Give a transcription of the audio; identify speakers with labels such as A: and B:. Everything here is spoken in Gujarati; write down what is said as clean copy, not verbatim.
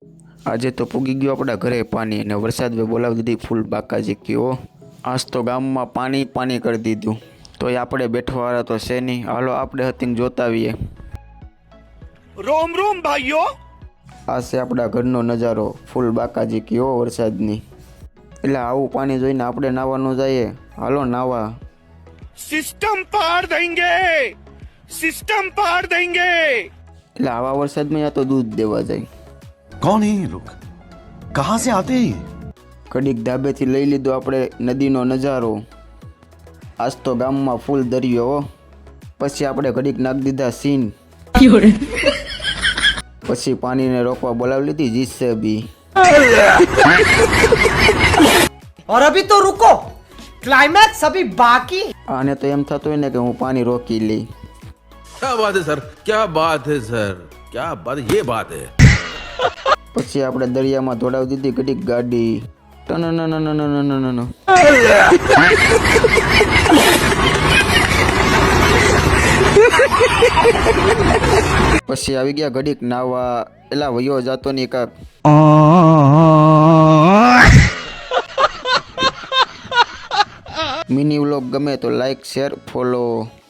A: આજે તો પૂગી ગયો આપણા ઘરે પાણી અને વરસાદ બોલાવી દીધી ફૂલ બાકાજી કયો આજ તો ગામમાં પાણી પાણી કરી દીધું તોય આપણે બેઠવાવાળા તો છે નહીં. હાલો આપણે હતીને જોતા આવીએ.
B: રોમ રોમ ભાઈઓ.
A: આ છે આપણા ઘરનો નજારો ફૂલ બાકાજી કયો વરસાદની. એટલે આવું પાણી જોઈને આપણે નાવાનું જઈએ. હાલો નાવા.
B: સિસ્ટમ પાર દેંગે, સિસ્ટમ પાર દેંગે.
A: એટલે આવા વરસાદમાં યા તો દૂધ દેવા જાય.
C: कौन है ये लोग, कहाँ से आते हैं?
A: ઘડીક ધાબેથી લઈ લીધો આપણે નદીનો નજારો. આજ તો ગામમાં ફૂલ દરિયો હો. પછી આપણે ઘડીક નાખી દીધા સીન. પછી પાણીને રોકવા બોલાવી લીધી જીસીબી.
D: और अभी तो रुको, क्लाइमैक्स अभी बाकी.
A: આને તો એમ થતું હોય ને કે હું પાણી રોકી લઈ.
E: क्या बात है सर, क्या बात है सर, क्या बात, ये बात है.
A: પછી આપણે દરિયામાં દોડાવી દીધી ઘડીક ગાડી. ટનનનનનનનનનન. પછી આવી ગયા ઘડીક નાવા. એલા વયો જાતો ની કાક. મિની વ્લોગ ગમે તો લાઈક શેર ફોલો.